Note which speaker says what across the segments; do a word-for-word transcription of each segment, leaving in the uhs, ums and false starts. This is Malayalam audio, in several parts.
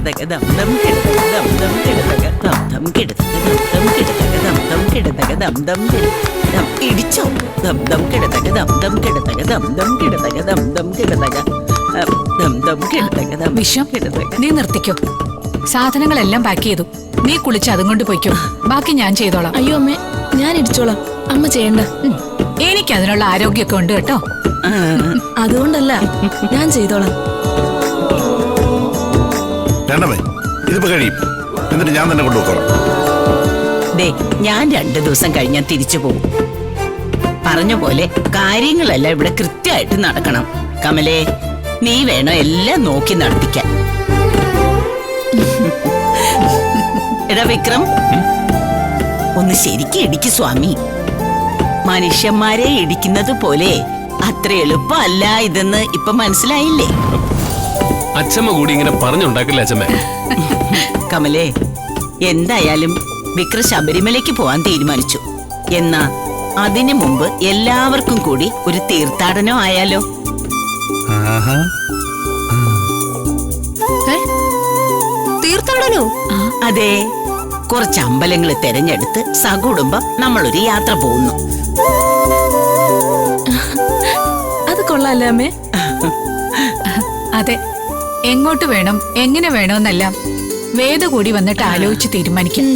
Speaker 1: കിടതക ദം ദം കിടതക ദം ദം കിടതക ദം ദം കിടതക ദം ദം കിടതക ദം ദം കിടതക ദം ദം ദം ഇടിച്ചോ ദം ദം കിടതക ദം ദം കിടതക ദം ദം കിടതക ദം ദം കിടതക ദം ദം കിടതക ദം
Speaker 2: വിഷം നീ നിർത്തിക്കോ. സാധനങ്ങളെല്ലാം പാക്ക് ചെയ്തു. നീ കുളിച്ച് അതും കൊണ്ട് പോയിക്കോ. ബാക്കി ഞാൻ ചെയ്തോളാം.
Speaker 3: അയ്യോ അമ്മേ, ഞാൻ ഇടിച്ചോളാം. അമ്മ ചെയ്യണ്ട.
Speaker 2: എനിക്ക് അതിനുള്ള ആരോഗ്യമൊക്കെ ഉണ്ട് കേട്ടോ.
Speaker 3: അതുകൊണ്ടല്ല, ഞാൻ ചെയ്തോളാം.
Speaker 4: ഇതിപ്പോ കഴിയും. എന്നിട്ട് ഞാൻ തന്നെ കൊണ്ടുപോകാം.
Speaker 1: ദേ, ഞാൻ രണ്ടു ദിവസം കഴിഞ്ഞാൽ തിരിച്ചു പോകും. പറഞ്ഞ പോലെ കാര്യങ്ങളെല്ലാം ഇവിടെ കൃത്യമായിട്ട് നടക്കണം. കമലേ, നീ വേണം എല്ലാം നോക്കി നടത്തിക്കാൻ. എടാ വിക്രം, ഒന്ന് ശരിക്കും ഇടിക്ക് സ്വാമി. മനുഷ്യന്മാരെ ഇടിക്കുന്നത് പോലെ അത്ര എളുപ്പമല്ല ഇതെന്ന് ഇപ്പൊ മനസ്സിലായില്ലേ?
Speaker 5: അച്ഛമ്മ കൂടി ഇങ്ങനെ പറഞ്ഞുണ്ടാക്കില്ല അച്ഛമ്മ.
Speaker 1: കമലേ, എന്തായാലും വിക്രം ശബരിമലയ്ക്ക് പോവാൻ തീരുമാനിച്ചു. എന്നാ അതിനു മുമ്പ് എല്ലാവർക്കും കൂടി ഒരു തീർത്ഥാടനം ആയാലോ?
Speaker 3: തീർത്ഥാടനോ?
Speaker 1: അതെ, കുറച്ച് അമ്പലങ്ങൾ തെരഞ്ഞെടുത്ത് സകുടുംബം നമ്മളൊരു യാത്ര പോകുന്നു.
Speaker 3: അത് കൊള്ളാല്ലേ അമ്മേ?
Speaker 2: അതെ, എങ്ങോട്ട് വേണം എങ്ങനെ വേണമെന്നെല്ലാം വേദ കൂടി വന്നിട്ട് ആലോചിച്ച് തീരുമാനിക്കും.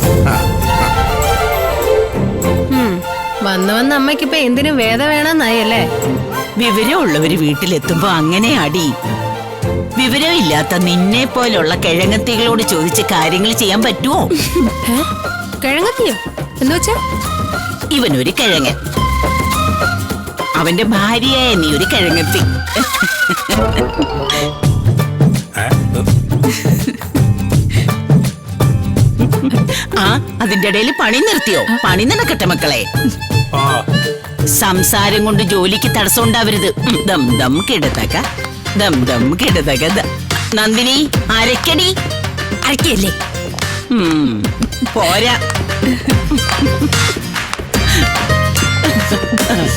Speaker 6: വന്ന് വന്ന് അമ്മയ്ക്കിപ്പൊ എന്തിനും വേദ വേണമെന്നായല്ലേ?
Speaker 1: വിവരമുള്ളവര് വീട്ടിലെത്തുമ്പോ അങ്ങനെ അടി. വിവരമില്ലാത്ത നിന്നെ പോലുള്ള കിഴങ്ങത്തികളോട് ചോദിച്ച് കാര്യങ്ങൾ ചെയ്യാൻ പറ്റുമോ?
Speaker 6: കിഴങ്ങത്തിയോ എന്ന് വെച്ചാ?
Speaker 1: ഇവനൊരു കിഴങ്ങൻ, അവന്റെ ഭാര്യയായ നീ ഒരു കിഴങ്ങത്തി. ആ, അതിന്റെ ഇടയിൽ പണി നിർത്തിയോ? പണി നടക്കട്ടെ മക്കളെ. സംസാരം കൊണ്ട് ജോലിക്ക് തടസ്സം ഉണ്ടാവരുത്. ദം ദം കിടതക ദം ദം കിടതക. നന്ദിനി, അരക്കടി.
Speaker 3: അരക്കല്ലേ?
Speaker 1: പോരാ.